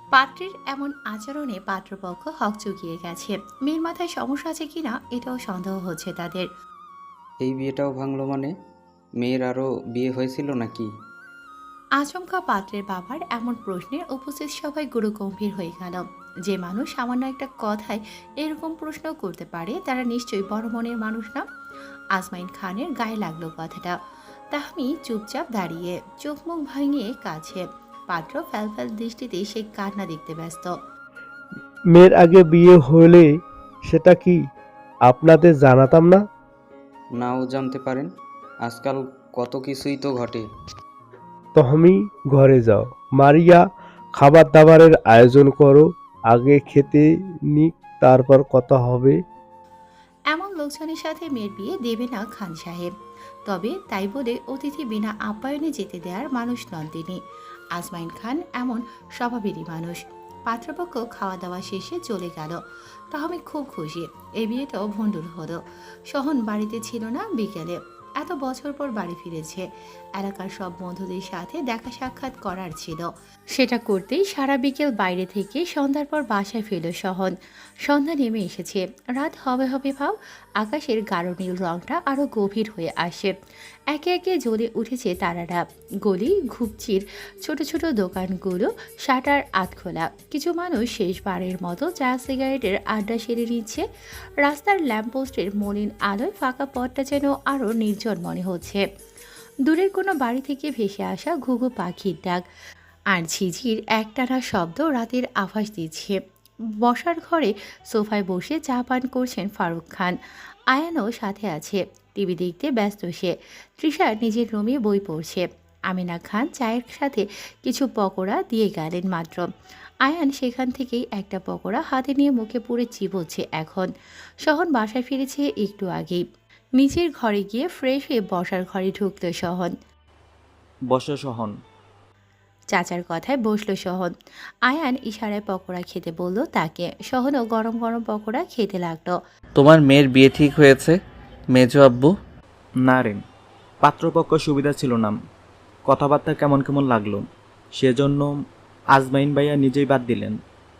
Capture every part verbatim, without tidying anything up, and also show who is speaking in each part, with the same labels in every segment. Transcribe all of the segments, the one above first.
Speaker 1: পাত্রের এমন আচরণে পাত্রপক্ষ হকচকিয়ে গেছে। মেয়ের মাথায় সমস্যা আছে কিনা এটাও সন্দেহ হচ্ছে তাদের।
Speaker 2: এই বিয়েটাও ভাঙলো মানে? মেয়ের আরও বিয়ে হয়েছিল নাকি?
Speaker 1: আচমকা পাত্রের বাবার এমন প্রশ্নের উপস্থিত সবাই গুরুগম্ভীর হয়ে গেল। যে মানুষ সামান্য একটা কথায় এরকম প্রশ্ন করতে পারে তারা নিশ্চয়ই বড় মনের মানুষ না। আজমাইন খানের গায়ে লাগলো কথাটা। তাহমি চুপচাপ দাঁড়িয়ে চোখ মুখ ভাঙিয়ে কাছে। পাত্র ফ্যালফ্যাল দৃষ্টিতে সে কান্না দেখতে ব্যস্ত।
Speaker 3: মেয়ের আগে বিয়ে হলে সেটা কি আপনাদের জানাতাম না?
Speaker 2: নাও জানতে পারেন। আজকাল কত কিছুই তো ঘটে।
Speaker 3: তহমি, ঘরে যাও। মারিয়া, খাবার দাবারের আয়োজন করো। আগে খেতে নিক, তারপর কথা হবে।
Speaker 1: এমন লোকজনের সাথে মেয়ের বিয়ে দেবে না খান সাহেব। তবে তাই বলে অতিথি বিনা আপ্যায়নে যেতে দেওয়ার মানুষ নন তিনি। আজমাইন খান এমন স্বভাবেরই মানুষ। পাত্রপক্ষ খাওয়া দাওয়া শেষে চলে গেল। তাহমি খুব খুশি। এই বিয়েটাও ভণ্ডুল হলো। সহন বাড়িতে ছিল না বিকেলে। এত বছর পর বাড়ি ফিরেছে। এলাকার সব বন্ধুদের সাথে দেখা সাক্ষাৎ করার ছিল। সেটা করতেই সারা বিকেল বাইরে থেকে সন্ধ্যার পর বাসায় ফিরল সহন। সন্ধ্যা নেমে এসেছে। রাত হবে হবে ভাব। আকাশের গাঢ় নীল রংটা আরো গভীর হয়ে আসে। একে একে জ্বলে উঠেছে তারারা। গলি ঘুপচির ছোট ছোট দোকানগুলো শাটার আধখোলা। কিছু মানুষ শেষবারের মতো চা সিগারেটের আড্ডা সেরে নিচ্ছে। রাস্তার ল্যাম্পপোস্টের মলিন আলোয় ফাঁকা পথটা যেন আরো নির্জন মনে হচ্ছে। দূরের কোনো বাড়ি থেকে ভেসে আসা ঘুঘু পাখির ডাক আর ঝিঝির একটানা শব্দ রাতের আভাস দিচ্ছে। বসার ঘরে সোফায় বসে চা পান করছেন ফারুক খান। আয়ানও সাথে আছে। টিভি দেখতে ব্যস্ত সে। তৃষা নিজের রুমে বই পড়ছে। আমিনা খান চায়ের সাথে কিছু পকোড়া দিয়ে গেলেন মাত্র। আয়ান সেখান থেকেই একটা পকোড়া হাতে নিয়ে মুখে পুরে চিবোচ্ছে এখন। সহন বাসায় ফিরেছে একটু আগেই। নিজের ঘরে গিয়ে ফ্রেশ হয়ে বসার ঘরে ঢুকল সহন।
Speaker 4: বসো সহন।
Speaker 1: চাচার কথায় বসলো সহন। আয়ান ইশারায় পকোড়া খেতে বলল তাকে। সহনও গরম গরম পকোড়া খেতে লাগলো।
Speaker 5: তোমার মেয়ের বিয়ে ঠিক হয়েছে মেজো আব্বু?
Speaker 4: না রে, পাত্রপক্ষ সুবিধা ছিল না। কথাবার্তা কেমন কেমন লাগলো, সেজন্য আজমাইন ভাইয়া নিজেই বাদ দিলেন।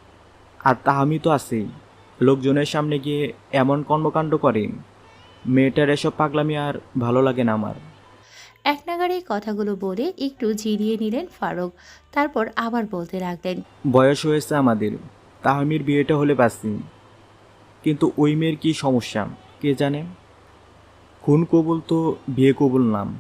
Speaker 4: আর তাহামি তো আছেই। লোকজনের সামনে গিয়ে এমন কর্মকাণ্ড করে, মেয়েটার এসব পাগলামি আর ভালো লাগে না আমার।
Speaker 1: এক নাগাড়ে কথাগুলো বলে একটু জিরিয়ে নিলেন ফারুক। তারপর আবার বলতে লাগলেন।
Speaker 4: বয়স হয়েছে আমাদের, তাহামির বিয়েটা হলে বাঁচি। কিন্তু ওই মেয়ের কী সমস্যা কে জানে। খুন কবুল তো বিয়ে কবুল নাম।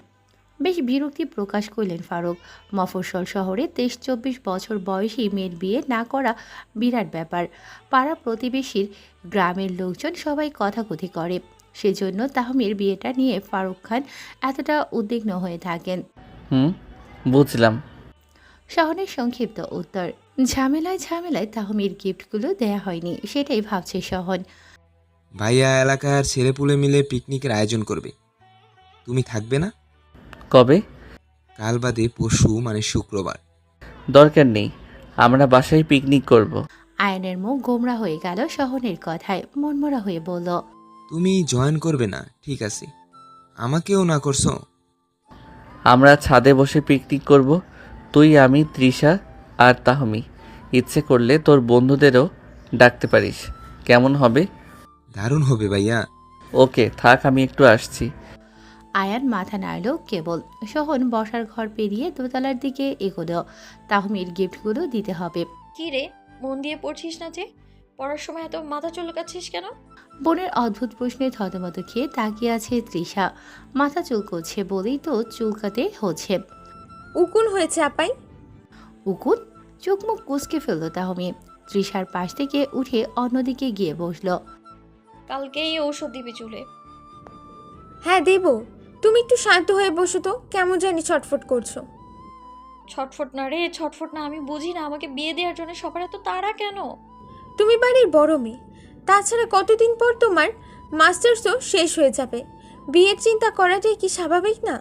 Speaker 1: বেশ বিরক্তি প্রকাশ করলেন ফারুক। মফস্বল শহরে তেইশ চব্বিশ বছর বয়সী মেয়ের বিয়ে না করা বিরাট ব্যাপার। পাড়া প্রতিবেশীর গ্রামের লোকজন সবাই কথাকথি করে। সেজন্য তাহমির বিয়েটা নিয়ে ফারুক খান এতটা উদ্বিগ্ন হয়ে থাকেন।
Speaker 5: হুম, বুঝলাম।
Speaker 1: শহরের সংক্ষিপ্ত উত্তর। ঝামেলায় ঝামেলায় তাহমির গিফটগুলো দেয়া হয়নি, সেটাই ভাবছে শহন।
Speaker 6: ভাইয়া এলাকার ছেলেপুলে মিলে পিকনিকের আয়োজন করবে, তুমি থাকবে না?
Speaker 5: কবে?
Speaker 6: কাল বাদে পরশু, মানে শুক্রবার।
Speaker 5: দরকার নেই, আমরা বাসায় পিকনিক করব।
Speaker 1: আয়নের মুখ গোমরা হয়ে গেল শহনের কথায়। মনমরা হয়ে বলল।
Speaker 6: তুমি জয়েন করবে না, ঠিক আছে, আমাকেও না করছো।
Speaker 5: আমরা ছাদে বসে পিকনিক করব, তুই, আমি, তৃষা আর তাহমি। ইচ্ছে করলে তোর বন্ধুদেরও ডাকতে পারিস। কেমন হবে?
Speaker 6: দারুণ হবে ভাইয়া।
Speaker 5: ওকে থাক, আমি একটু আসছি।
Speaker 1: আয়ান মাথা নাড়ল কেবল। শহন বসার ঘর পেরিয়ে দোতলার দিকে এগোলো। তাহমির গিফটগুলো দিতে হবে।
Speaker 7: কি রে, মন দিয়ে পড়ছিস না যে? পড়ার সময় এত মাথা চুলকাচ্ছিস কেন?
Speaker 1: বোনের অদ্ভুত প্রশ্নে থতমত খেয়ে তাকিয়ে আছে তৃষা। মাথা চুলকোচ্ছে বলেই তো চুলকাতে হচ্ছে।
Speaker 8: উকুন হয়েছে আপাই।
Speaker 1: উকুন? চোখ মুখ কুচকে ফেলল তাহমি। তৃষার পাশ থেকে উঠে অন্যদিকে গিয়ে বসলো।
Speaker 7: কালকেই ঔষধ দিবি চুলে।
Speaker 8: হ্যাঁ দেব, তুমি একটু শান্ত হয়ে বসো তো, কেমন জানি ছটফট করছো।
Speaker 7: ছটফট না রে, ছটফট না। আমি বুঝি না আমাকে বিয়ে দেওয়ার জন্য সবার এত তাড়া কেন?
Speaker 8: তুমি বাড়ির বড় মেয়ে, তাছাড়া কতদিন পর তোমার মাস্টার্সও শেষ হয়ে যাবে। বিয়ের চিন্তা করাটাই কি স্বাভাবিক না?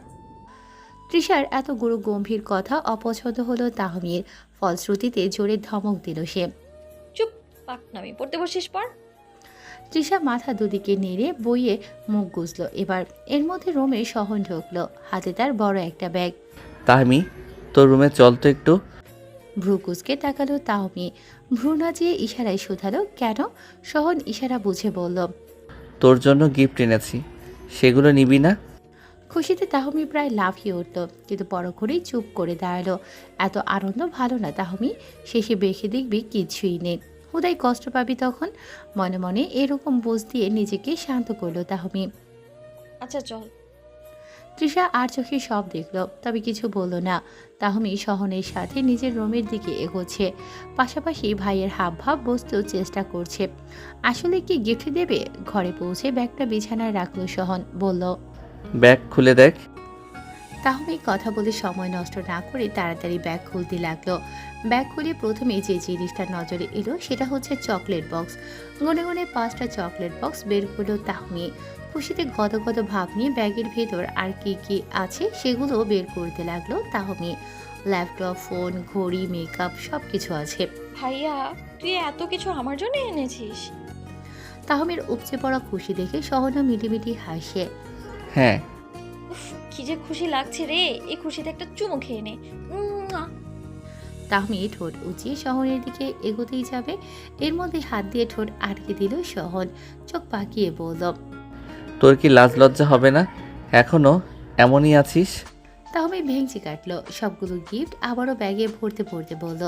Speaker 1: তৃষার এত গুরু গম্ভীর কথা অপছন্দ হলো তাহমির। ফলশ্রুতিতে জোরে ধমক দিল সে।
Speaker 7: চুপ, পাক নামি পড়তে বসিস পর।
Speaker 1: তৃষা মাথা দুদিকে নেড়ে বইয়ে মুখ গুজল এবার। এর মধ্যে রুমে সহন ঢুকলো, হাতে তার বড় একটা ব্যাগ।
Speaker 5: তাহমি, তোর রুমে চল তো একটু।
Speaker 1: ভ্রুকুচকে তাকালো তাহমি। ভ্রু নাচিয়ে ইশারায় শুধালো, কেন? সহন ইশারা বুঝে বলল,
Speaker 5: তোর জন্য গিফট এনেছি, সেগুলো নিবি না?
Speaker 1: খুশিতে তাহমি প্রায় লাফিয়ে উঠল, কিন্তু পরক্ষণেই চুপ করে দাঁড়ালো। এত আনন্দ ভালো না তাহমি, শেষে বেঁকে দেখবি কিছুই নেই, হুদাই কষ্ট পাবি তখন। মনে মনে এরকম বোঝ দিয়ে নিজেকে শান্ত করলো তাহমি।
Speaker 7: আচ্ছা চল।
Speaker 1: তৃষা আর চোখে সব দেখল, তবে কিছু বলল না। তাহমি সহনের সাথে নিজের রুমের দিকে এগোচ্ছে, পাশাপাশি ভাইয়ের হাব ভাব বুঝতেও চেষ্টা করছে। আসলে কি গিফট দেবে? ঘরে পৌঁছে ব্যাগটা বিছানায় রাখলো সহন, বলল,
Speaker 5: ব্যাগ খুলে দেখ।
Speaker 1: তাহমি কথা বলে সময় নষ্ট না করে তাড়াতাড়ি ব্যাগ খুলতে লাগলো। ব্যাগ খুলে প্রথমে যে জিনিসটা নজরে এলো সেটা হচ্ছে চকলেট বক্স। গনে গনে পাঁচটা চকলেট বক্স বের করলো তাহমি। খুশিতে গদগদ ভাব নিয়ে ব্যাগের ভেতর আর কি কি আছে সেগুলো বের করতে লাগলো তাহমি। ল্যাপটপ, ফোন, ঘড়ি, মেকআপ সব কিছু আছে।
Speaker 7: ভাইয়া, তুই এত কিছু আমার জন্য এনেছিস?
Speaker 1: তাহমির উপচে পড়া খুশি দেখে সহনা মিটিমিটি হাসে।
Speaker 5: হ্যাঁ।
Speaker 7: উফ, কি যে খুশি লাগছে রে, এই খুশিতে একটা চুমু খেয়ে নে। উম্মুয়া।
Speaker 1: তাহমি ঠোঁট উঁচিয়ে শহরের দিকে এগোতেই যাবে, এর মধ্যে হাত দিয়ে ঠোঁট আটকে দিল সহন। চোখ পাকিয়ে বলল,
Speaker 5: তোর কি লাজ লজ্জা হবে না? এখনো এমনই আছিস?
Speaker 1: তাহমি ভেঙচি কাটলো সবগুলো গিফট আবারও ব্যাগে ভরতে ভরতে বলল,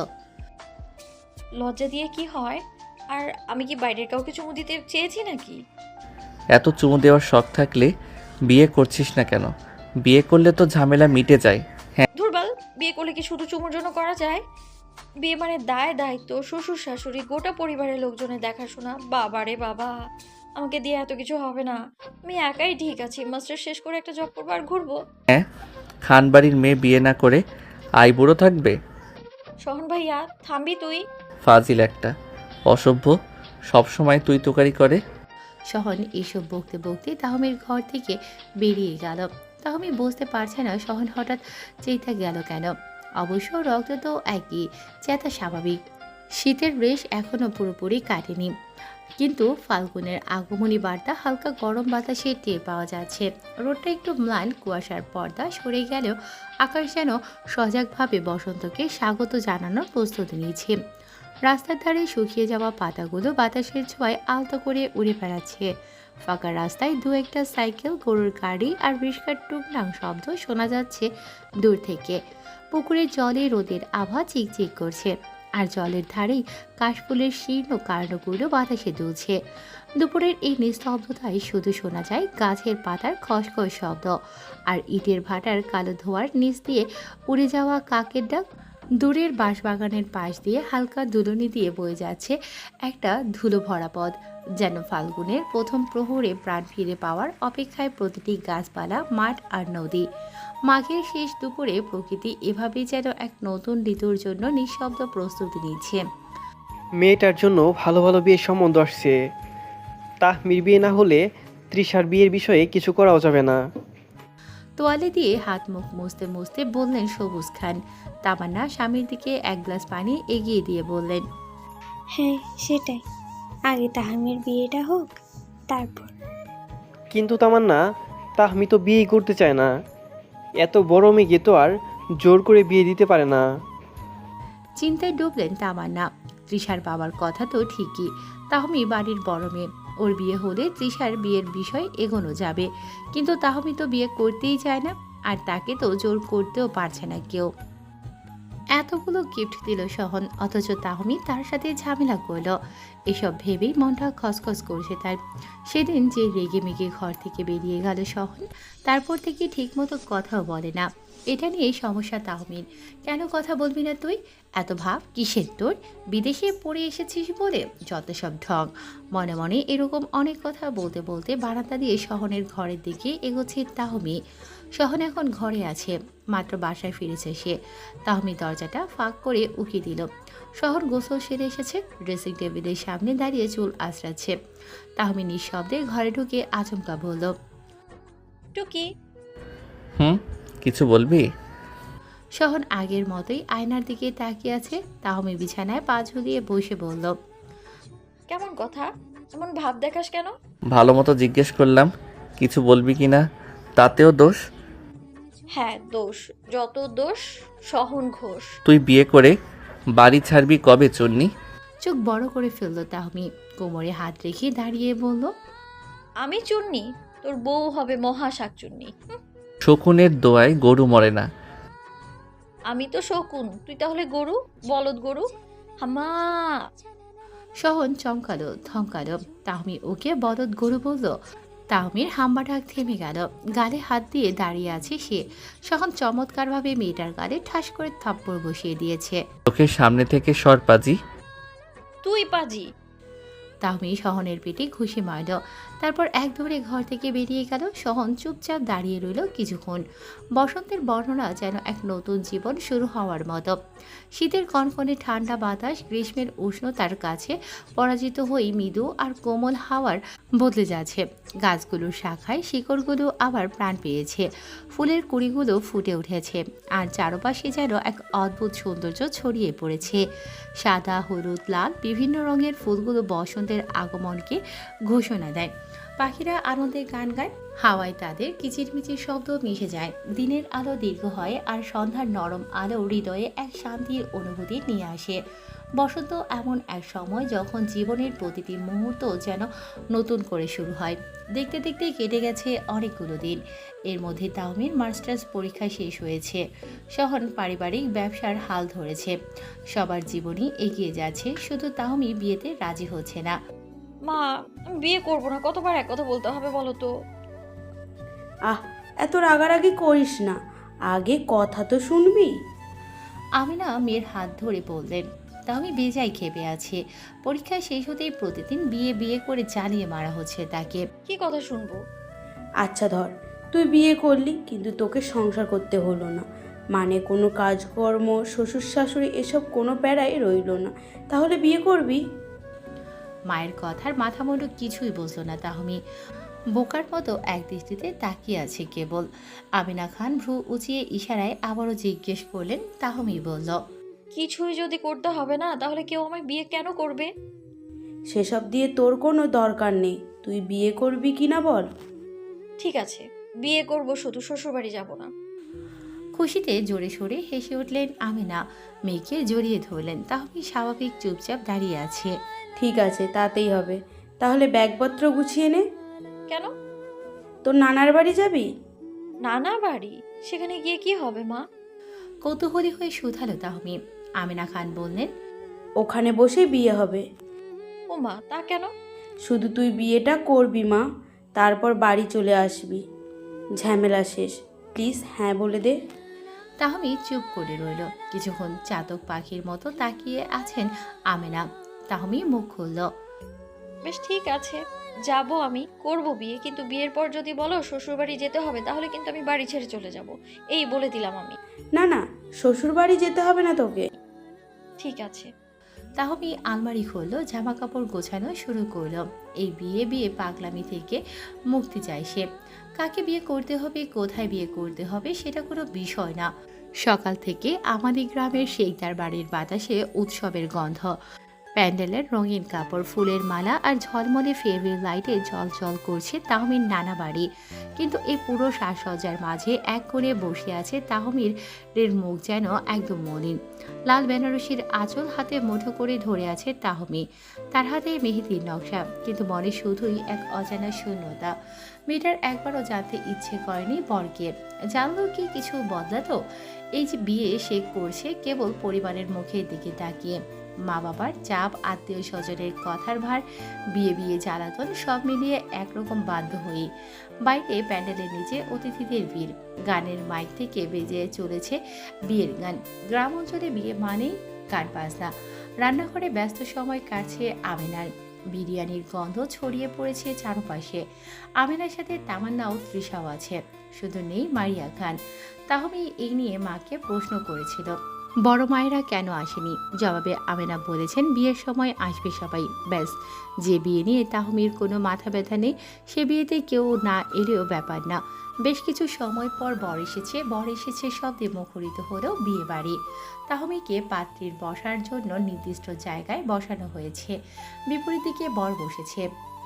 Speaker 7: লজ্জা দিয়ে কি হয়? আর আমি কি বাইরের কাউকে চুমু দিতে চেয়েছি নাকি?
Speaker 5: এত চুমু দেওয়ার শখ থাকলে বিয়ে করছিস না কেন? বিয়ে করলে তো ঝামেলা মিটে যায়।
Speaker 7: ধুরবাল, বিয়ে করলে কি শুধু চুমুর জন্য করা যায়? বিয়ে মানে দায় দায়িত্ব, শ্বশুর শাশুড়ি, গোটা পরিবারের লোকজনের দেখাশোনা। বাবা রে বাবা, আমাকে দিয়ে এত কিছু হবে না। আমি একাই ঠিক আছি, মাস্টার শেষ করে একটা জব করবো আর ঘুরবো।
Speaker 5: হ্যাঁ, খান বাড়ির মেয়ে বিয়ে না করে আইবুড়ো থাকবে?
Speaker 7: সহন ভাইয়া, থামবি তুই?
Speaker 5: ফাজিল একটা, অসভ্য, সবসময় তুই তোকারি করে।
Speaker 1: সহন এসব বকতে বকতে তাহমির ঘর থেকে বেরিয়ে গেল। তাহমি বুঝতে পারছে না সহন হঠাৎ চেতা গেল কেন। অবশ্য রক্ত তো একই, চেতা স্বাভাবিক। শীতের রেশ এখনো পুরোপুরি কাটেনি, কিন্তু ফাল্গুনের আগমনী বার্তা হালকা গরম বাতাসে টের পাওয়া যাচ্ছে। রোদটা একটু ম্লান, কুয়াশার পর্দা সরে গেলেও আকাশ যেন সজাগভাবে বসন্তকে স্বাগত জানানোর প্রস্তুতি নিচ্ছে। রাস্তার ধারে শুকিয়ে যাওয়া পাতাগুলো বাতাসের ছোঁয়ায় আলতো করে উড়ে বেড়াচ্ছে। ফাঁকা রাস্তায় দু একটা সাইকেল, গরুর গাড়ি আর রিস্কার টুকটাক শব্দ শোনা যাচ্ছে দূর থেকে। পুকুরের জলে রোদের আভা চিকচিক করছে, আর জলের ধারেই কাশফুলের শীর্ণ কাণ্ডগুলো বাতাসে দুলছে। দুপুরের এই নিস্তব্ধতায় শুধু শোনা যায় গাছের পাতার খসখস শব্দ আর ইটের ভাটার কালো ধোঁয়ার নিচ দিয়ে উড়ে যাওয়া কাকের ডাক। দূরের বাঁশবাগানের পাশ দিয়ে হালকা দুলুনি দিয়ে বয়ে যাচ্ছে একটা ধুলো ভরা পথ, যেন ফাল্গুনের প্রথম প্রহরে প্রাণ ফিরে পাওয়ার অপেক্ষায় প্রতিটি গাছপালা, মাঠ আর নদী। মাঘের শেষ দুপুরে প্রকৃতি এভাবেই যেন এক নতুন ঋতুর জন্য নিঃশব্দ প্রস্তুতি নিচ্ছে।
Speaker 9: মেয়েটার জন্য ভালো ভালো বিয়ের সম্বন্ধ আসছে। তাহমির বিয়ে না হলে তৃষার বিয়ের বিষয়ে কিছু করাও যাবে না।
Speaker 1: তোয়ালে দিয়ে হাত মুখ মুছতে মুছতে বললেন সবুজ খান। তামান্না স্বামীর দিকে এক গ্লাস পানি এগিয়ে দিয়ে বললেন,
Speaker 10: হ্যাঁ সেটাই, আগে তাহমির বিয়েটা হোক তারপর।
Speaker 9: কিন্তু তামান্না, তাহমি তো বিয়ে করতে চায় না। এত বড় মেয়েকে তো আর জোর করে বিয়ে দিতে পারে না।
Speaker 1: চিন্তায় ডুবলেন তামান্না। তৃষার বাবার কথা তো ঠিকই, তাহমি বাড়ির বড় মেয়ে, ওর বিয়ে হলে তৃষার বিয়ের বিষয় এগোনো যাবে। কিন্তু তাহমি তো বিয়ে করতেই চায় না, আর তাকে তো জোর করতেও পারছে না কেউ। এতগুলো গিফট দিল সহন, অথচ তাহমি তার সাথে ঝামেলা করলো। এসব ভেবেই মনটা খসখস করছে তার। সেদিন যে রেগে মেগে ঘর থেকে বেরিয়ে গেল সহন, তারপর থেকে ঠিকমতো কথাও বলে না। এটা নিয়ে সমস্যা তাহমির। কেন কথা বলবি না তুই? এত ভাব কিসের তোর? বিদেশে পড়ে এসেছিস বলে যত সব ঢং। মনে মনে এরকম অনেক কথা বলতে বলতে বারান্দা দিয়ে সহনের ঘরের দিকে এগোচ্ছে তাহমি। সহন এখন ঘরে আছে, মাত্র বাসায় ফিরেছে সে। তাহমি দরজাটা ফাঁক করে উকি দিল। শহর গোসল সেরে এসেছে, ড্রেসিং টেবিলের সামনে দাঁড়িয়ে চুল আঁচড়াচ্ছে। তাহমি নিঃশব্দে ঘরে ঢুকে আচমকা বলল,
Speaker 7: টুকি।
Speaker 5: হুম, কিছু বলবি?
Speaker 1: শহন আগের মতোই আয়নার দিকে তাকিয়ে আছে। তাহমি বিছানায় পা ঝুলিয়ে বসে বলল,
Speaker 7: কেমন কথা, এমন ভাব দেখাস কেন?
Speaker 5: ভালো মতো জিজ্ঞেস করলাম, কিছু বলবি কি না, তাতেও দোষ?
Speaker 7: হ্যাঁ দোষ, যত দোষ সহন ঘোষ।
Speaker 5: তুই বিয়ে করে বাড়ি ছাড়বি কবে চন্নি?
Speaker 1: চোখ বড় করে ফেলল তাহমি, কোমরে হাত রেখে দাঁড়িয়ে বলল,
Speaker 7: আমি চুন্নি, তোর বউ হবে মহা শাকচুন্নি। হুঁ,
Speaker 5: শকুনের দোয়ায় গরু মরে না।
Speaker 7: আমি তো শকুন, তুই তাহলে গরু, বলদ গরু। হামা।
Speaker 1: সহন চমকালো, থমকালো। তাহমি ওকে বলদ গরু বলল। তাহমির হাম্বা ডাক থেমে গেল। গালে হাত দিয়ে দাঁড়িয়ে আছে সে। সহন চমৎকারভাবে মেয়েটার গালে ঠাস করে থাপ্পড় বসিয়ে দিয়েছে।
Speaker 5: চোখের সামনে থেকে সর পাজি।
Speaker 7: তুই পাজি।
Speaker 1: তাহমি সহনের পেটে ঘুষি মারল। তারপর এক দৌড়ে ঘর থেকে বেরিয়ে গেল। সহন চুপচাপ দাঁড়িয়ে রইল কিছুক্ষণ। বসন্তের বর্ণনা যেন এক নতুন জীবন শুরু হওয়ার মতো। শীতের কনকনে ঠান্ডা বাতাস গ্রীষ্মের উষ্ণতার কাছে পরাজিত হয়ে মৃদু আর কোমল হাওয়ার বদলে যাচ্ছে। গাছগুলোর শাখায় শিকড়গুলো আবার প্রাণ পেয়েছে। ফুলের কুড়িগুলো ফুটে উঠেছে। আর চারপাশে যেন এক অদ্ভুত সৌন্দর্য ছড়িয়ে পড়েছে। সাদা, হলুদ, লাল বিভিন্ন রঙের ফুলগুলো বসন্তের আগমনকে ঘোষণা দেয়। পাখিরা আনন্দে গান গায়, হাওয়ায় তাদের কিচিরমিচির শব্দ মিশে যায়। দিনের আলো দীর্ঘ হয় আর সন্ধ্যার নরম আলো হৃদয়ে এক শান্তির অনুভূতি নিয়ে আসে। বসন্ত এমন এক সময় যখন জীবনের প্রতিটি মুহূর্ত যেন নতুন করে শুরু হয়। দেখতে দেখতে কেটে গেছে অনেকগুলো দিন। এর মধ্যে তাহমির মাস্টার্স পরীক্ষা শেষ হয়েছে। সহন পারিবারিক ব্যবসার হাল ধরেছে। সবার জীবনই এগিয়ে যাচ্ছে, শুধু তাহমি বিয়েতে রাজি হচ্ছে না।
Speaker 7: মা, আমি বিয়ে করবো না, কতবার এক কথা বলতে হবে বলো তো?
Speaker 11: আহ, এত রাগারাগি করিস না, আগে কথা তো শুনবি।
Speaker 1: আমিনা মেয়ের হাত ধরে বললেন। তাহমি বেজায় খেপে আছে। পরীক্ষা শেষ হতেই প্রতিদিন বিয়ে বিয়ে করে জ্বালিয়ে মারা হচ্ছে তাকে।
Speaker 7: কি কথা শুনবো?
Speaker 11: আচ্ছা ধর, তুই বিয়ে করলি কিন্তু তোকে সংসার করতে হলো না, মানে কোনো কাজকর্ম, শ্বশুর শাশুড়ি এসব কোনো প্যারাই রইল না, তাহলে বিয়ে করবি?
Speaker 1: মায়ের কথার মাথা মুন্ডু কিছুই বুঝল না তাহমি। বোকার মতো এক দৃষ্টিতে তাকিয়ে আছে কেবল। আমিনা খান ভ্রু উঁচিয়ে ইশারায় আবারও জিজ্ঞেস করলেন। তাহমি বলল,
Speaker 7: কিছুই যদি করতে হবে না তাহলে কেউ আমায় বিয়ে কেন করবে?
Speaker 11: সেসব দিয়ে তোর কোনো দরকার নেই, তুই বিয়ে করবি কি না বল।
Speaker 7: ঠিক আছে, বিয়ে করব, শুধু শ্বশুরবাড়ি যাব না।
Speaker 1: খুশিতে জোরে সোরে হেসে উঠলেন আমিনা। মেয়েকে জড়িয়ে ধরলেন। তাহমি স্বাভাবিক চুপচাপ দাঁড়িয়ে আছে।
Speaker 11: ঠিক আছে, তাতেই হবে। তাহলে ব্যাগপত্র গুছিয়ে নে।
Speaker 7: কেন?
Speaker 11: তোর নানার বাড়ি যাবি?
Speaker 7: নানা বাড়ি? সেখানে গিয়ে কি হবে মা?
Speaker 1: কৌতূহলী হয়ে শুধালো তাহমি। আমিনা খান বললেন,
Speaker 11: ওখানে বসে বিয়ে হবে।
Speaker 7: ও মা, তা কেন?
Speaker 11: শুধু তুই বিয়েটা করবি মা, তারপর বাড়ি চলে আসবি, ঝামেলা শেষ। প্লিজ হ্যাঁ বলে দে।
Speaker 1: তাহমি চুপ করে রইল। কিছুক্ষণ চাতক পাখির মতো তাকিয়ে আছেন আমিনা। তাহমি মুখ খুলল।
Speaker 7: বেশ, ঠিক আছে, যাব, আমি করব বিয়ে, কিন্তু বিয়ের পর যদি বলো শ্বশুরবাড়ি যেতে হবে তাহলে কিন্তু আমি বাড়ি ছেড়ে চলে যাব, এই বলে দিলাম আমি।
Speaker 11: না না, শ্বশুর বাড়ি যেতে হবে না তোকে।
Speaker 7: ঠিক আছে।
Speaker 1: তাহমি আলমারি খুলল, জামা কাপড় গোছানো শুরু করলো। এই বিয়ে বিয়ে পাগলামি থেকে মুক্তি চায় সে। কাকে বিয়ে করতে হবে, কোথায় বিয়ে করতে হবে সেটা কোনো বিষয় না। সকাল থেকে আমাদের গ্রামের শেখদার বাড়ির বাতাসে উৎসবের গন্ধ। প্যান্ডেলের রঙিন কাপড়, ফুলের মালা আর ঝলমলে ফেরি লাইটে জলজল করছে তাহমির নানা বাড়ি। কিন্তু এই পুরো সাজসজ্জার মাঝে এক কোণে বসে আছে তাহমির এর মুখ যেন একদম মলিন। লাল বেনারসির আঁচল হাতে মুঠো করে ধরে আছে তাহমি। তার হাতে মেহেদির নকশা, কিন্তু মনে শুধুই এক অজানা শূন্যতা। মেয়েটার একবারও জানতে ইচ্ছে করেনি বরকে। জানলো কি কিছু বদলাতো? এই যে বিয়ে সে করছে কেবল পরিবারের মুখের দিকে তাকিয়ে। মা বাবার চাপ, আত্মীয় স্বজনের কথার ভার, বিয়ে বিয়ে জ্বালাতন সব মিলিয়ে একরকম বাধ্য হয়ে বাইরে প্যান্ডেলের নিচে অতিথিদের ভিড়। গানের মাইক থেকে বেজে চলেছে বিয়ের গান। গ্রাম অঞ্চলে বিয়ে মানেই গান বাজনা। রান্নাঘরে ব্যস্ত সময় কাটছে আমিনার। বিরিয়ানির গন্ধ ছড়িয়ে পড়েছে চারপাশে। আমিনার সাথে তামান্নাও, তৃষাও আছে, শুধু নেই মারিয়া খান। তাহমি এই নিয়ে মাকে প্রশ্ন করেছিল, বড় মায়েরা কেন আসেনি? জবাবে আমেনা বলেছেন বিয়ের সময় আসবে সবাই, ব্যাস। যে বিয়ে নিয়ে তাহমির কোনো মাথা ব্যথা নেই, সে বিয়েতে কেউ না এলেও ব্যাপার না। বেশ কিছু সময় পর বর এসেছে। বর এসেছে শব্দে মুখরিত হলেও বিয়ে বাড়ি। তাহমিকে পাত্রীর বসার জন্য নির্দিষ্ট জায়গায় বসানো হয়েছে। বিপরীত দিকে বর বসেছে।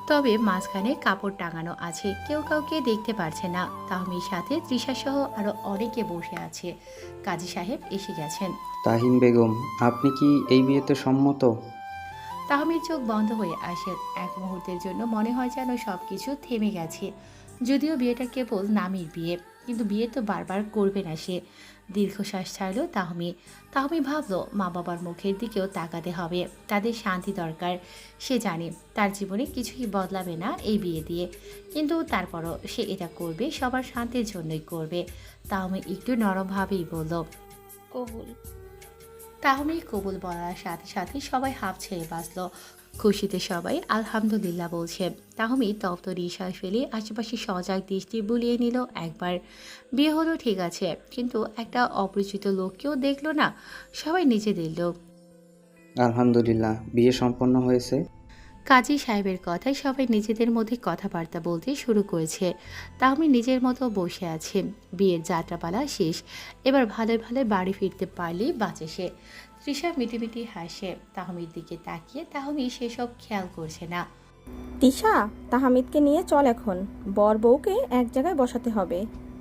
Speaker 1: তবে মাঝখানে কাপড় টাঙানো আছে, কেউ কাউকে দেখতে পারছে না। তাহমির সাথে তৃষা সহ আরো অনেকে বসে আছে। কাজী সাহেব এসে গেছেন।
Speaker 2: তাহিম বেগম, আপনি কি এই বিয়েতে সম্মত?
Speaker 1: তাহমির চোখ বন্ধ হয়ে আসে। এক মুহূর্তের জন্য মনে হয় যেন সবকিছু থেমে গেছে। যদিও বিয়েটা কেবল নামের বিয়ে, কিন্তু বিয়ে তো বারবার করবে না সে। দীর্ঘশ্বাস ছাড়ল তাহমি। তাহমি ভাবলো মা বাবার মুখের দিকেও তাকাতে হবে, তাদের শান্তি দরকার। সে জানে তার জীবনে কিছুই বদলাবে না এই বিয়ে দিয়ে, কিন্তু তারপরও সে এটা করবে, সবার শান্তির জন্যই করবে। তাহমি একটু নরমভাবেই বলল,
Speaker 7: কবুল।
Speaker 1: তাহমি কবুল বলার সাথে সাথে সবাই হাঁপ ছেড়ে বাঁচল। খুশিতে সবাই আলহামদুলিল্লাহ বলছে। তাহমি তপ্ত নিঃশ্বাস ফেলে আশেপাশে সজাগ দৃষ্টি বুলিয়ে নিল একবার। বিয়ে হলো ঠিক আছে, কিন্তু একটা অপরিচিত লোককেও দেখলো না। সবাই নিজেদের লোক।
Speaker 2: আলহামদুলিল্লাহ, বিয়ে সম্পন্ন হয়েছে।
Speaker 1: কাজী সাহেবের কথায় সবাই নিজেদের মধ্যে কথাবার্তা বলতে শুরু করেছে। তাহমি নিজের মতো বসে আছে। বিয়ের যাত্রাপালা শেষ, এবার ভালো ভালো বাড়ি ফিরতে পারলেই বাঁচে সে। তৃষা মিটিমিটি হাসে তাহমির দিকে তাকিয়ে। তাহমি সেসব খেয়াল করছে না।
Speaker 12: তিশা, তাহমিদকে নিয়ে চল, এখন বর বউকে এক জায়গায় বসাতে হবে।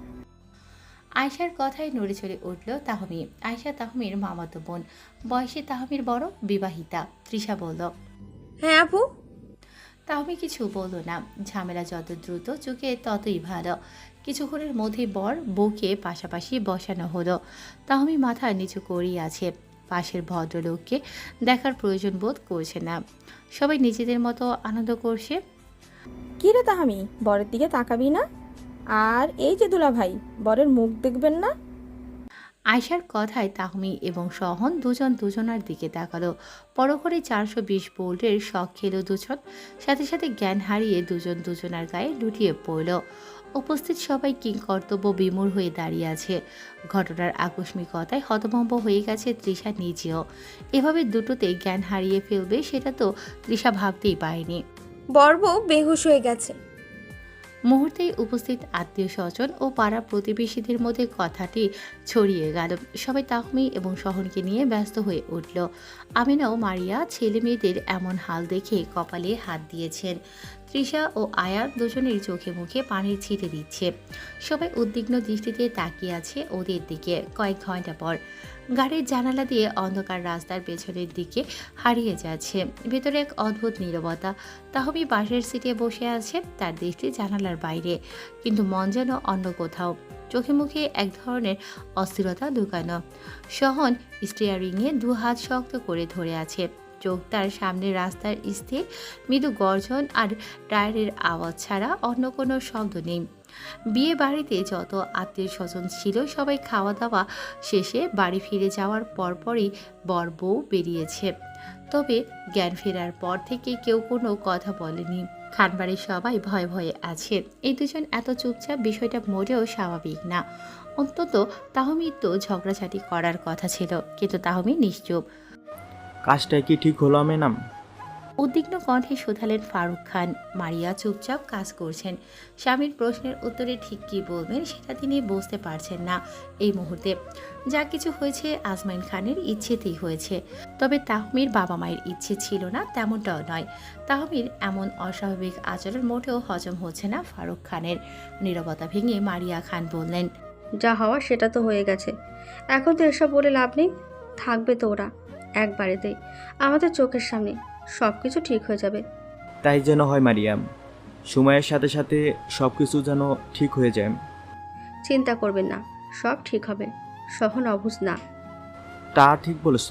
Speaker 1: আয়শার কথায় নড়ে চড়ে উঠল তাহমি। আয়শা তাহমির মামাতো বোন, বয়সে তাহমির বড়, বিবাহিতা। তৃষা বলল,
Speaker 8: হ্যাঁ আপু।
Speaker 1: তাহমি কিছু বলল না। ঝামেলা যত দ্রুত চোখে ততই ভালো। কিছুক্ষণের মধ্যে বর বউকে পাশাপাশি বসানো হলো। তাহমি মাথা নিচু করেই আছে। পাশের ভদ্রলোককে দেখার প্রয়োজন বোধ করছে না। সবাই নিজেদের মতো আনন্দ করছে।
Speaker 12: কি রে তাহামি, বরের দিকে তাকাবি না? আর এই যে দুলা ভাই, বরের মুখ দেখবেন না?
Speaker 1: আয়শার কথায় তাহমি এবং সহন দুজন দুজনার দিকে তাকালো। পরপরে চারশো বিশ বোল্টের শখ খেলো দুজন। সাথে সাথে জ্ঞান হারিয়ে দুজন দুজনার গায়ে লুটিয়ে পড়ল। উপস্থিত সবাই কিংকর্তব্য বিমূঢ় হয়ে দাঁড়িয়ে আছে। ঘটনার আকস্মিকতায় হতভম্ব হয়ে গেছে তৃষা নিজেও। এভাবে দুটোতে জ্ঞান হারিয়ে ফেলবে সেটা তো তৃষা ভাবতেই পারেনি।
Speaker 8: বর বউ বেহুশ হয়ে গেছে।
Speaker 1: মুহূর্তেই উপস্থিত আত্মীয় স্বজন ও পাড়া প্রতিবেশীদের মধ্যে কথাটি ছড়িয়ে গেল। সবাই তাহমি এবং সহনকে নিয়ে ব্যস্ত হয়ে উঠল। আমিনাও মারিয়া ছেলে মেয়েদের এমন হাল দেখে কপালে হাত দিয়েছেন। তৃষা ও আয়া দুজনের চোখে মুখে পানির ছিটে দিচ্ছে। সবাই উদ্বিগ্ন দৃষ্টিতে তাকিয়ে আছে ওদের দিকে। কয়েক ঘন্টা পর গাড়ির জানালা দিয়ে অন্ধকার রাস্তার পেছনের দিকে হারিয়ে যাচ্ছে। ভেতরে এক অদ্ভুত নীরবতা। তাহমি বাসের সিটে বসে আছে, তার দৃষ্টি জানালার বাইরে, কিন্তু মন যেন অন্য কোথাও। চোখে মুখে এক ধরনের অস্থিরতা লুকানো। সহন স্টিয়ারিংয়ে দু হাত শক্ত করে ধরে আছে। চোখ তার সামনে রাস্তার স্থির। মৃদু গর্জন আর টায়ারের আওয়াজ ছাড়া অন্য কোনো শব্দ নেই। বিয়ে বাড়িতে যত আত্মীয় স্বজন ছিল সবাই খাওয়া দাওয়া শেষে বাড়ি ফিরে যাওয়ার পরপরই বর বউ বেরিয়েছে। তবে জ্ঞান ফেরার পর থেকে কেউ কোনো কথা বলেনি। খানবাড়ির সবাই ভয়ে ভয়ে আছে। এই দুজন এত চুপচাপ বিষয়টা মোটেও স্বাভাবিক না। অন্তত তাহমির তো ঝগড়াঝাটি করার কথা ছিল, কিন্তু তাহমি নিশ্চুপ।
Speaker 4: কাজটা কি ঠিক হলো ম্যাডাম?
Speaker 1: উদ্বিগ্ন কণ্ঠে শোধালেন ফারুক খান। মারিয়া চুপচাপ কাজ করছেন। স্বামীর প্রশ্নের উত্তরে ঠিক কী বলবেন সেটা তিনি বুঝতে পারছেন না এই মুহূর্তে। যা কিছু হয়েছে আজমাইন খানের ইচ্ছেতেই হয়েছে। তবে তাহমির বাবা মায়ের ইচ্ছে ছিল না তেমনটাও নয়। তাহমির এমন অস্বাভাবিক আচরণ মোটেও হজম হচ্ছে না ফারুক খানের। নীরবতা ভেঙে মারিয়া খান বললেন,
Speaker 13: যা হওয়া সেটা তো হয়ে গেছে, এখন তো এসব বলে লাভ নেই। থাকবে তো ওরা একবারেতেই আমাদের চোখের সামনে, সব কিছু ঠিক হয়ে যাবে।
Speaker 4: তাই যেন হয় মারিয়াম, সময়ের সাথে সাথে সব কিছু যেন ঠিক হয়ে যায়।
Speaker 13: চিন্তা করবেন না, সব ঠিক হবে। সহন অবুঝ না।
Speaker 4: তা ঠিক বলেছ।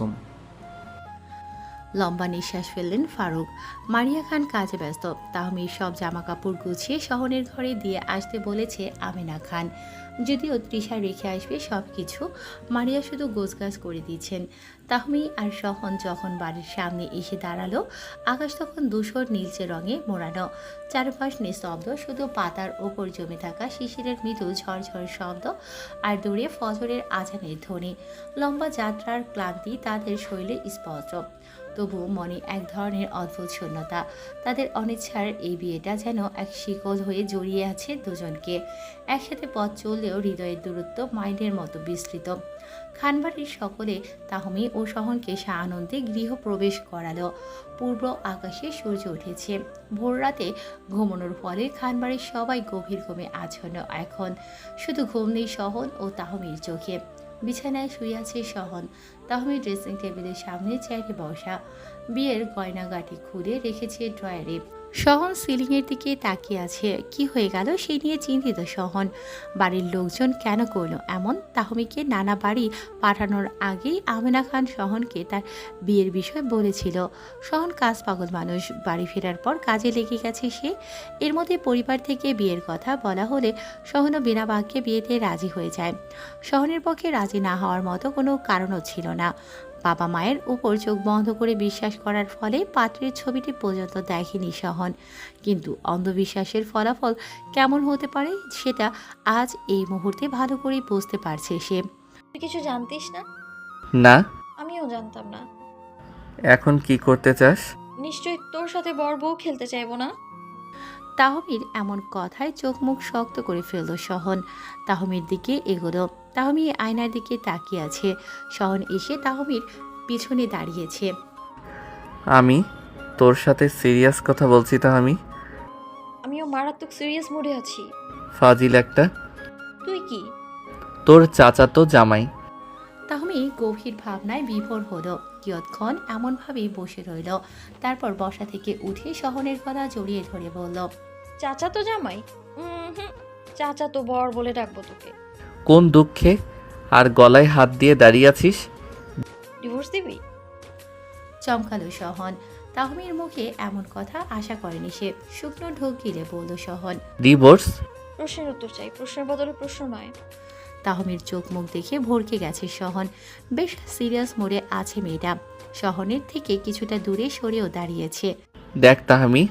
Speaker 1: লম্বা নিঃশ্বাস ফেললেন ফারুক। মারিয়া খান কাজে ব্যস্ত। তাহমির সব জামা কাপড় গুছিয়ে শহনের ঘরে দিয়ে আসতে বলেছে আমিনা খান। যদিও তৃষা রেখে আসবে সব কিছু, মারিয়া শুধু গোছগাছ করে দিচ্ছেন। তাহমি আর সহন যখন বাড়ির সামনে এসে দাঁড়ালো, আকাশ তখন ধূসর নীলচে রঙে মোড়ানো। চারপাশ নিস্তব্ধ, শুধু পাতার ওপর জমে থাকা শিশিরের মৃদু ঝরঝর শব্দ আর দূরে ফজরের আজানের ধ্বনি। লম্বা যাত্রার ক্লান্তি তাদের শরীরে স্পষ্ট। তবু মনে এক ধরনের অদ্ভুত শূন্যতা। তাদের অনিচ্ছার এই বিয়েটা যেন এক শিকল হয়ে জড়িয়ে আছে দুজনকে। একসাথে পথ চললেও হৃদয়ের দূরত্ব মাইলের মতো বিস্তৃত। খানবাড়ির সকলে তাহমি ও সহনকে সানন্দে গৃহপ্রবেশ করালো। পূর্ব আকাশে সূর্য উঠেছে। ভোর রাতে ঘুমানোর ফলে খানবাড়ির সবাই গভীর ঘুমে আচ্ছন্ন। এখন শুধু ঘুম নেই সহন ও তাহমির চোখে। বিছানায় শুয়ে আছে সহন। তাহমি ড্রেসিং টেবিলের সামনে চেয়ারে বসা, বিয়ের গয়নাগাটি খুলে রেখেছে ড্রয়ারে। সহন সিলিংয়ের দিকে তাকিয়ে আছে। কি হয়ে গেল সেই নিয়ে চিন্তিত সহন। বাড়ির লোকজন কেন করলো এমন? তাহমিকে নানা বাড়ি পাঠানোর আগেই আমেনা খান সহনকে তার বিয়ের বিষয় বলেছিল। সহন কাজ পাগল মানুষ, বাড়ি ফেরার পর কাজে লেগে গেছে সে। এর মধ্যে পরিবার থেকে বিয়ের কথা বলা হলে সহনও বিনা বাক্যে বিয়েতে রাজি হয়ে যায়। সহনের পক্ষে রাজি না হওয়ার মতো কোনো কারণও ছিল না। বাবা মায়ের উপর চোখ বন্ধ করে বিশ্বাস করার ফলে পাত্রের ছবিটি পর্যন্ত দেখেনি সহন। কিন্তু অন্ধবিশ্বাসের ফলাফল কেমন হতে পারে সেটা আজ এই মুহূর্তে ভালো করে বুঝতে পারছে সে।
Speaker 7: তুই কিছু জানতিস না?
Speaker 5: না।
Speaker 7: আমিও জানতাম না।
Speaker 5: এখন কি করতে চাস?
Speaker 7: নিশ্চয়ই তোর সাথে বর বউ খেলতে চাইবো না।
Speaker 1: তাহমির এমন কথায় চোখ মুখ শক্ত করে ফেলল সহন। তাহমির দিকে এগোলো। তাহমি আয়নার দিকে তাকিয়ে আছে। সহন এসে তাহমির পিছনে দাঁড়িয়েছে।
Speaker 5: আমি তোর সাথে সিরিয়াস কথা বলছি তাহমি।
Speaker 7: আমিও মারাত্মক সিরিয়াস মুডে আছি।
Speaker 5: ফাজিল একটা।
Speaker 7: তুই কি?
Speaker 5: তোর চাচাতো জামাই।
Speaker 1: তাহমি গভীর ভাবনায় বিভোর হলো। কিয়ৎক্ষণ এমনভাবেই বসে রইল। তারপর বসা থেকে উঠে সহনের গলা জড়িয়ে ধরে বলল,
Speaker 7: চাচা তো জামাই? হুম, চাচা তো বর বলে ডাকবো তোকে।
Speaker 5: কোন দুঃখে আর গলায় হাত দিয়ে দাঁড়িয়ে আছিস?
Speaker 7: ডিভোর্স দিবি?
Speaker 1: চমকালো সহন। তাহমির মুখে এমন কথা আশা করেনি সে। শুকনো ঢোক গিলে বলল সহন,
Speaker 5: ডিভোর্স?
Speaker 7: প্রশ্নের উত্তর চাই, প্রশ্নের বদলে প্রশ্ন নয়।
Speaker 1: তাহমির চোখ মুখ দেখে ভরকে গেছে সহন। বেশ সিরিয়াস মোড়ে আছে মেয়েটা। সহনের থেকে কিছুটা দূরে সরেও দাঁড়িয়েছে।
Speaker 5: দেখ তাহমি,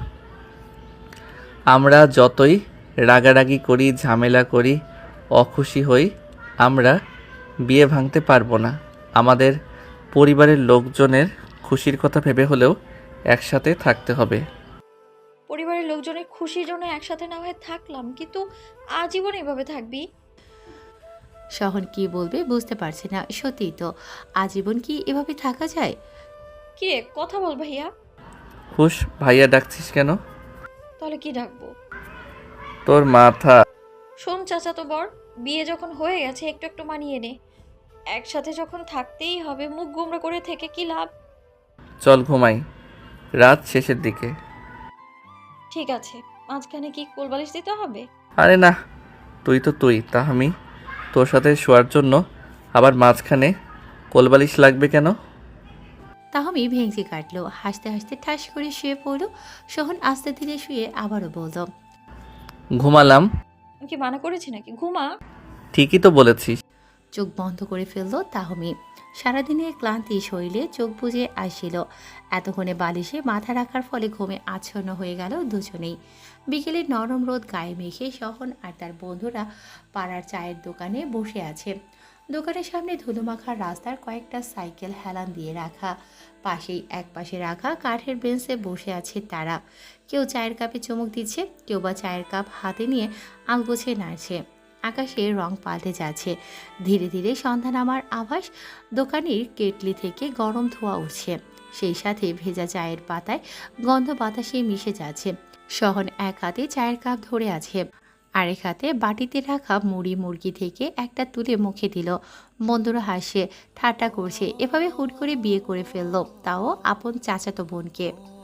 Speaker 5: আমরা যতই রাগারাগি করি, ঝামেলা করি, অখুশি হই, আমরা বিয়ে ভাঙতে পারবো না। আমাদের পরিবারের লোকজনের খুশির কথা ভেবে হলেও একসাথে থাকতে হবে।
Speaker 7: পরিবারের লোকজনের খুশির জন্য একসাথে না হয়ে থাকলাম, কিন্তু আজীবন এভাবে থাকবি?
Speaker 1: সহন কি বলবে বুঝতে পারছে না। সত্যিই তো, আজীবন কি এভাবে থাকা যায়?
Speaker 7: কি রে, কথা বল ভাইয়া।
Speaker 5: হুশ, ভাইয়া ডাকছিস কেন?
Speaker 7: তাহলে কি ডাকবো?
Speaker 5: তোর মাথা।
Speaker 7: শোন চাচা তো বর, বিয়ে যখন হয়ে গেছে একটু একটু মানিয়ে নে। একসাথে যখন থাকতেই হবে, মুখ গোমড়া করে থেকে কি লাভ?
Speaker 5: চল ঘুমাই, রাত শেষের দিকে।
Speaker 7: ঠিক আছে, মাঝখানে কি কোলবালিশ দিতে হবে?
Speaker 5: আরে না, তুই তো তুই তাহমি, তোর সাথে শোয়ার জন্য আবার মাঝখানে কোলবালিশ লাগবে কেন?
Speaker 1: তাহমি ভেঙচি কাটলো। হাসতে হাসতে ঠাস করে শুয়ে পড়ল। সহন আস্তে ধীরে শুয়ে আবারও বলল,
Speaker 5: ঘুমালাম।
Speaker 7: আমি কি মানা করেছি নাকি? ঘুমা।
Speaker 5: ঠিকই তো বলেছিস।
Speaker 1: চোখ বন্ধ করে ফেলল তাহমি। সারাদিনের ক্লান্তি শরীরে চোখ বুজে আসছিল। এতক্ষণে বালিশে মাথা রাখার ফলে ঘুমে আচ্ছন্ন হয়ে গেল দুজনেই। বিকেলের নরম রোদ গায়ে মেখে সহন আর তার বন্ধুরা পাড়ার চায়ের দোকানে বসে আছে। দোকানের সামনে ধুলোমাখা রাস্তার কয়েকটা সাইকেল হেলান দিয়ে রাখা। পাশেই এক পাশে রাখা কাঠের বেঞ্চে বসে আছে তারা। কেউ চায়ের কাপে চুমুক দিচ্ছে, কেউ বা চায়ের কাপ হাতে নিয়ে আলগোছে নাড়ছে। আকাশে রং পাল্টে যাচ্ছে। ধীরে ধীরে সন্ধ্যা নামার আভাস। দোকানের কেটলি থেকে গরম ধোঁয়া উঠছে। সেই সাথে ভেজা চায়ের পাতায় গন্ধ বাতাসে মিশে যাচ্ছে। সহন এক হাতে চায়ের কাপ ধরে আছে, আরেক হাতে বাটিতে রাখা মুড়ি মুরগি থেকে একটা তুলে মুখে দিল। বন্ধুরা হাসে, ঠাট্টা করছে। এভাবে হুট করে বিয়ে করে ফেললো, তাও আপন চাচাতো বোনকে।